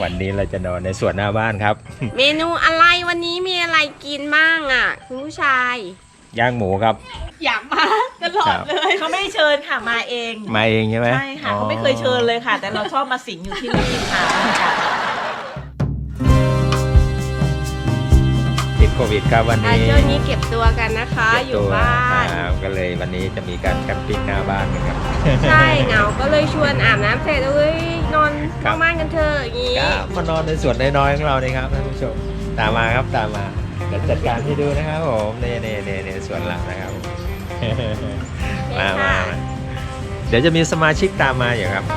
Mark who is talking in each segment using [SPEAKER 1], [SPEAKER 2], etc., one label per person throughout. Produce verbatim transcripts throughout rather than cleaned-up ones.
[SPEAKER 1] วันนี้เราจะนอนในสวนหน้าบ้านครับ
[SPEAKER 2] เมนูอะไรวันนี้มีอะไรกินบ้างอ่ะคุณผู้ชาย
[SPEAKER 1] ย่างหมูครับ
[SPEAKER 2] อยากมาตลอดเลย
[SPEAKER 3] เขาไม่ได้เชิญค่ะมาเอง
[SPEAKER 1] มาเองใช่ไหม
[SPEAKER 3] ใช่ค่ะเขาไม่เคยเชิญเลยค่ะ แต่เราชอบมาสิงอยู่ที่นี่ค่ะ
[SPEAKER 1] ติดโควิดครับวัน
[SPEAKER 2] อ่ะ
[SPEAKER 1] นี้
[SPEAKER 2] ช่วงนี้เก็บตัวกันนะคะอยู่บ้าน
[SPEAKER 1] ครับก็เลยวันนี้จะมีการแคมปิ้งหน้าบ้านกันครับ
[SPEAKER 2] ใช่เหงาก็เลยชวนอาบน้ำเสร็จเอ้ยนอนบ้านกันเถอะอย่างงี้
[SPEAKER 1] ก็มานอนในสวนน้อยๆของเรานี่ครับท่านผู้ชมตามมาครับตามมาเดี๋ยวจัดการให้ดูนะครับผมเน่เน่เน่เน่สวนหลังนะครับ มามามาเดี๋ยวจะมีสมาชิกตามมาอยู่ครับ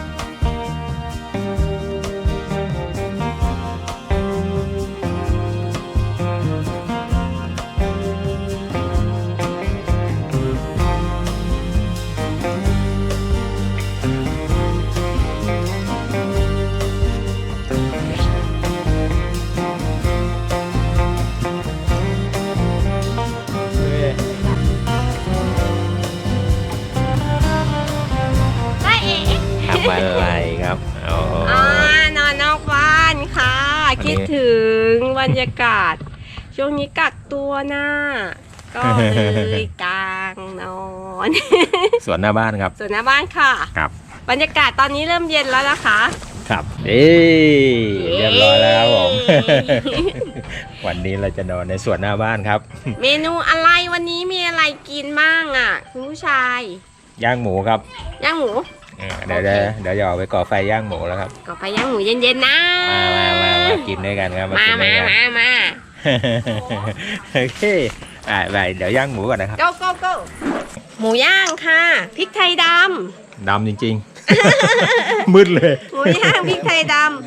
[SPEAKER 1] ทำอะไรครับโอ้โห
[SPEAKER 2] อ่านอนนอกบ้านค่ะ คิดถึงบรรยากาศ ช่วงนี้กักตัวนะก็เลยกลางนอน
[SPEAKER 1] สวนหน้าบ้านครับ
[SPEAKER 2] ส่วนหน้าบ้านค่ะ
[SPEAKER 1] ครับ
[SPEAKER 2] บรรยากาศตอนนี้เริ่มเย็นแล้วนะคะ
[SPEAKER 1] ครับเอ้เรียบร้อยแล้วครับผม วันนี้เราจะนอนในสวนหน้าบ้านครับ
[SPEAKER 2] เมนูอะไรวันนี้มีอะไรกินบ้างอ่ะคุณผู้ชาย
[SPEAKER 1] ย่างหมูครับ
[SPEAKER 2] ย่างหมู
[SPEAKER 1] เออเดี๋ยวเดี๋ยวเดี๋ยวจะออกไปก่อไฟย่างหมูแล้วครับ
[SPEAKER 2] ก็ไปย่างหมูเย็นๆนะ
[SPEAKER 1] มามามามากินด้วยกันครับ
[SPEAKER 2] มา
[SPEAKER 1] กินด้
[SPEAKER 2] มา
[SPEAKER 1] วยกัน
[SPEAKER 2] มามา
[SPEAKER 1] โอเคอ่าไปเดี๋ยวย่างหมูก่อนนะครับ
[SPEAKER 2] go go go หมูย่างค่ะพริกไทยด
[SPEAKER 1] ดำจริงๆ มืดเลย
[SPEAKER 2] ำหมูย่างพริกไทยดำ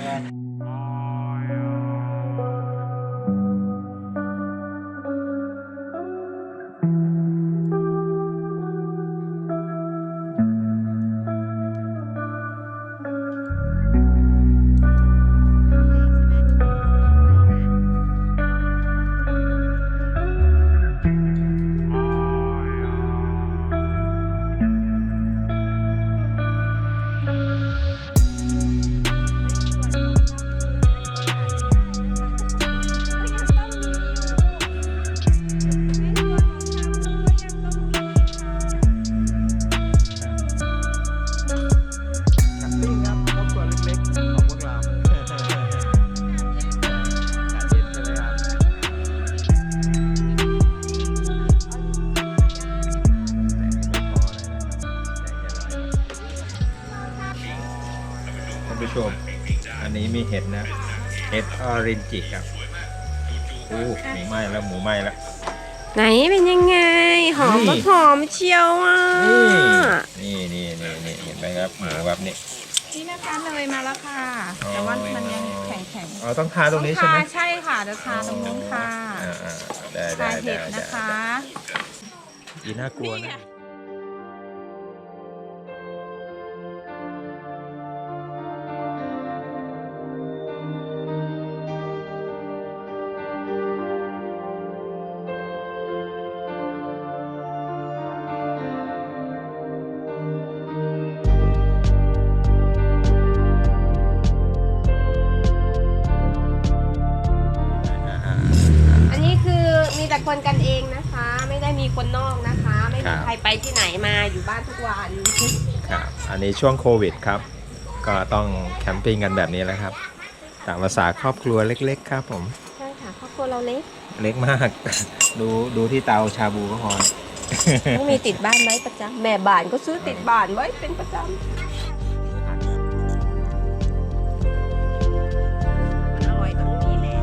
[SPEAKER 1] ท่านผู้ชมอันนี้มีเห็ดนะเห็ดออรินจิครับโอ้หมูไหม้แล้วหมูไหม้แล้ว
[SPEAKER 2] ไหนเป็นยังไง หอม
[SPEAKER 1] นี่
[SPEAKER 2] ก็หอมเชียวอ่ะ
[SPEAKER 1] นี่นี่นี่นี่เห็นไหมครับหมูแบบนี้
[SPEAKER 3] นี่นะคะเลยมาแล้วค่ะ แต่ว่ามันยังแข็งแข็ง
[SPEAKER 1] อ๋อต้องทาตรงนี้ใช่ไหม
[SPEAKER 3] ใช่ค่ะเดี๋ยวทาตรงนู้นค่ะ
[SPEAKER 1] อ่าอ่าได้
[SPEAKER 3] ทา
[SPEAKER 1] ได้
[SPEAKER 3] เห็
[SPEAKER 1] ได้
[SPEAKER 3] ดนะคะ
[SPEAKER 1] อีน่ากลัวนะ
[SPEAKER 2] อันนี้คือมีแต่คนกันเองนะคะ ไม่ได้มีคนนอกนะคะ ไม่มีใครไปที่ไหนมาอยู่บ้านทุกวัน
[SPEAKER 1] ครับอันนี้ช่วงโควิดครับ ก็ต้องแคมปิ้งกันแบบนี้แหล้วครับตามภาษาครอบครัวเล็กๆครับผม
[SPEAKER 2] ใช่ค่ะครอบครัวเราเล็ก
[SPEAKER 1] เล็กมาก ดูดูที่เตาชาบูก็พอ
[SPEAKER 2] ต้องมีติดบ้านไว้ประจำแม่บ้านก็ซื้อติดบ้านไว้เป็นประจำมันอร่อยตรงนี้แหละ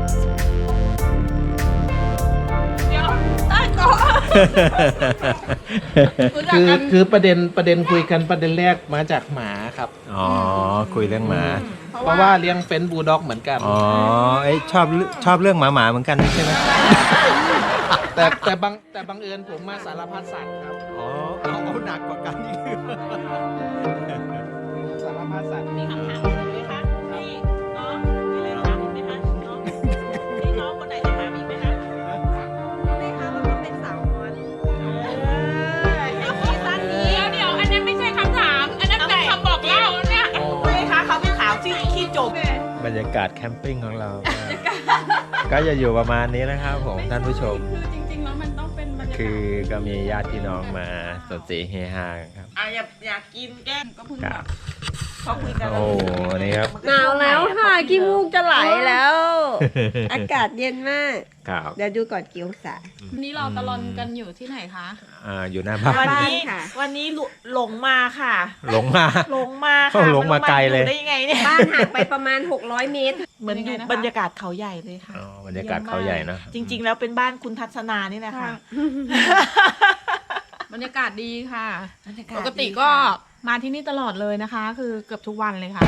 [SPEAKER 1] เ
[SPEAKER 4] คือคือประเด็นประเด็นคุยกันประเด็นแรกมาจากหมาครับ
[SPEAKER 1] อ๋อคุยเรื่องหมา
[SPEAKER 4] เพราะว่าเลี้ยงเฟนบูลด็อกเหมือนกัน
[SPEAKER 1] อ๋อไอยชอบชอบเรื่องหมาหมาเหมือนกันใช่ไหม
[SPEAKER 4] แต่แต่บางแต่บังเอิญผมมาสารพัดสัตว์ครับ
[SPEAKER 1] อ๋อเอาเอาหนักกว่ากันอีก
[SPEAKER 4] สารพัดสัตว์
[SPEAKER 5] มีคำถามอะไรไหมคะพี่น้องมีอะไรถามอีกไหมคะน้องพี่น้องคนไหนจะถามอีกไหมคะ
[SPEAKER 2] ไม่ค่ะมันก็เป็นสาวน้อย
[SPEAKER 5] ซีซั่นนี้
[SPEAKER 3] เดี๋ยวเดี๋ยวอันนั้นไม่ใช่คำถาม อันนั้นเป็นคำบอกเล่าเนี่ย
[SPEAKER 5] ไม่คะเขาเป็นสาวที่ขี้จบบ
[SPEAKER 1] รรยากาศแคมปิ้งของเราก็ก็จะอยู่ประมาณนี้นะครับผมท่านผู้ชม
[SPEAKER 3] คือจริงๆแล้วมันต้องเป็นบรรยากาศ
[SPEAKER 1] คือก็มีญาติพี่น้องมาสนสีเฮฮาครับ
[SPEAKER 5] อ่ะอยากอยากกินแก้มก็เพิ่ง
[SPEAKER 1] ครับ
[SPEAKER 5] เขาคุยกัน
[SPEAKER 1] โอ้นี่ครับ
[SPEAKER 2] หนาวแล้วค่ะขี้มูกจะไหลแล้ว อากาศเย็นมาก
[SPEAKER 1] ครับ
[SPEAKER 2] เดี๋ยวดูก่อนกี่องศา
[SPEAKER 3] วันนี้เราตะลอนกันอยู่ที่ไหนคะ
[SPEAKER 1] อ่าอยู่หน้าบ้าน
[SPEAKER 5] วันนี้
[SPEAKER 2] ค่ะ
[SPEAKER 5] วันนี้หลหลงมาค่ะ
[SPEAKER 1] หลงมา
[SPEAKER 5] หลงมา
[SPEAKER 1] เขา
[SPEAKER 5] ค่ะ
[SPEAKER 1] หลงมาไกลเลย
[SPEAKER 5] ได้ยังไงเนี่ย
[SPEAKER 2] บ้านห่างไปประมาณหกร้อยเมตร
[SPEAKER 5] เหมือนอยู่บรรยากาศเขาใหญ่เลยค่ะ
[SPEAKER 1] อ๋อบรรยากาศเขาใหญ่นะ
[SPEAKER 5] จริง ๆ แล้วเป็นบ้านคุณทัศนานี่แหละค่ะ
[SPEAKER 3] บรรยากาศดีค่ะ
[SPEAKER 5] บรรยาาศ
[SPEAKER 3] ปกติ
[SPEAKER 5] ดี
[SPEAKER 3] ก็
[SPEAKER 5] ค่ะ
[SPEAKER 3] มาที่นี่ตลอดเลยนะคะ คือเกือบทุกวันเลยค่ะ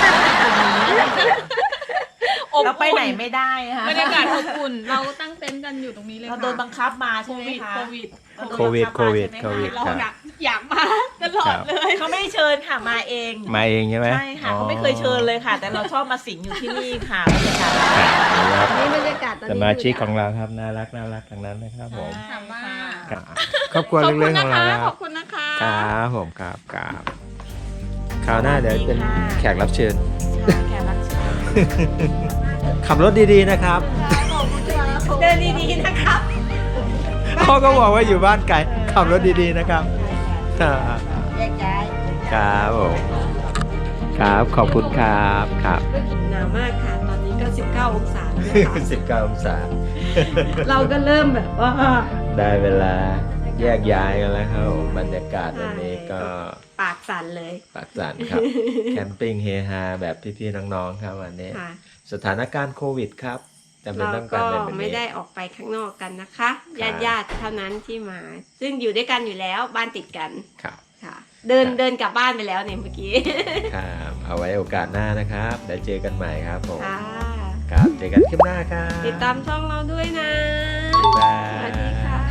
[SPEAKER 5] เราไปไหนไม่ได้ค่ะ
[SPEAKER 3] บรรยากาศอบอุ่น เราตั้งเต็นท์กันอยู่ตรงนี้เลย
[SPEAKER 5] เรา
[SPEAKER 3] ค่ะ
[SPEAKER 5] โดนบังคับมาใช่ไหมคะ
[SPEAKER 3] โควิด
[SPEAKER 5] เราโดน
[SPEAKER 1] โควิด
[SPEAKER 5] บัง
[SPEAKER 1] โค
[SPEAKER 5] บมา
[SPEAKER 1] วิด
[SPEAKER 5] ใช่ไหม
[SPEAKER 1] โควิด
[SPEAKER 5] คะ
[SPEAKER 1] ครับ
[SPEAKER 3] อยากอยากมาตลอดเลย
[SPEAKER 5] เขาไม่ได้เชิญค่ะมาเอง
[SPEAKER 1] มาเองใช่ไหม
[SPEAKER 5] ใช่ค่ะเขาไม่เคยเชิญเลยค่ะ แต่เราชอบมาสิงอยู่ที่นี่ค่ะบรรยากาศ
[SPEAKER 1] ครับ
[SPEAKER 2] นี่บรรยากาศตอน
[SPEAKER 1] ส
[SPEAKER 2] นี้
[SPEAKER 1] มาชิกของเราครับน่ารักน่ารักทั้งนั้นนะครับผม
[SPEAKER 3] ถามว่า
[SPEAKER 1] ครับครอบครัว
[SPEAKER 3] ขอบคุ
[SPEAKER 1] เล็
[SPEAKER 3] ณ
[SPEAKER 1] กๆข
[SPEAKER 3] นะ
[SPEAKER 1] องเรา
[SPEAKER 3] คะ
[SPEAKER 1] ค
[SPEAKER 3] ข
[SPEAKER 1] รั
[SPEAKER 3] อ
[SPEAKER 1] บบ
[SPEAKER 3] คุณนะคะ
[SPEAKER 1] ครับผมครับครับคราวหน้าเดี๋ยวเป็นแขกรับเชิญ
[SPEAKER 5] แขกรับเชิญ
[SPEAKER 1] ขับรถดีๆนะครับ
[SPEAKER 2] เดินดีๆนะครับ
[SPEAKER 1] พ่อก็บอกว่าอยู่บ้านไกลขับรถดีๆนะครับครับ
[SPEAKER 2] แยกย้าย
[SPEAKER 1] ครับผมครับขอบคุณครับครับ
[SPEAKER 2] หนาวมากค่ะ ตอนนี้ก็สิบเก้าองศาแล้วนะคะ
[SPEAKER 1] สิบเก้าองศา
[SPEAKER 2] เราก็เริ่มแบบว่า
[SPEAKER 1] ได้เวลาแยกย้ายกันแล้วครับผมบรรยากาศวันนี้ก็
[SPEAKER 2] ปากสั่นเลย
[SPEAKER 1] ปากสันครับ แคมปิ้งเฮฮาแบบพี่ๆน้องๆครับวันนี้
[SPEAKER 2] ค่ะ
[SPEAKER 1] สถานการณ์โควิดครับจำเป็น
[SPEAKER 2] เรา
[SPEAKER 1] ต้องกา
[SPEAKER 2] ก็
[SPEAKER 1] รเป็นแบบนี้
[SPEAKER 2] ไม่ได้ออกไปข้างนอกกันนะคะ
[SPEAKER 1] ครั
[SPEAKER 2] ญา
[SPEAKER 1] บ
[SPEAKER 2] ติญาติๆเท่านั้นที่มา ซึ่งอยู่ด้วยกันอยู่แล้วบ้านติดกัน
[SPEAKER 1] ครับ
[SPEAKER 2] ค่ะ เดิน
[SPEAKER 1] ครับ
[SPEAKER 2] เดินกลับบ้านไปแล้วเนี่ยเมื่อกี้
[SPEAKER 1] ครับเอาไว้โอกาสหน้านะครับเดี๋ยวเจอกันใหม่ครับผม
[SPEAKER 2] ค่ะ
[SPEAKER 1] ครับเจอกันคลิปหน้าครับ
[SPEAKER 2] ติดตามช่องเราด้วยนะ
[SPEAKER 1] บ๊ายบาย
[SPEAKER 2] สวัสดีค่ะ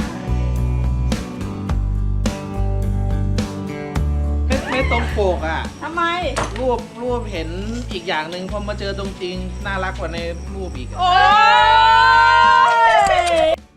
[SPEAKER 4] ไม่ไม่ตรงปกอ่ะ
[SPEAKER 5] ทำไม
[SPEAKER 4] รูปรูปเห็นอีกอย่างหนึ่งพอมาเจอตรงจริงน่ารักกว่าในรูปอีกอะ
[SPEAKER 5] โอ้ย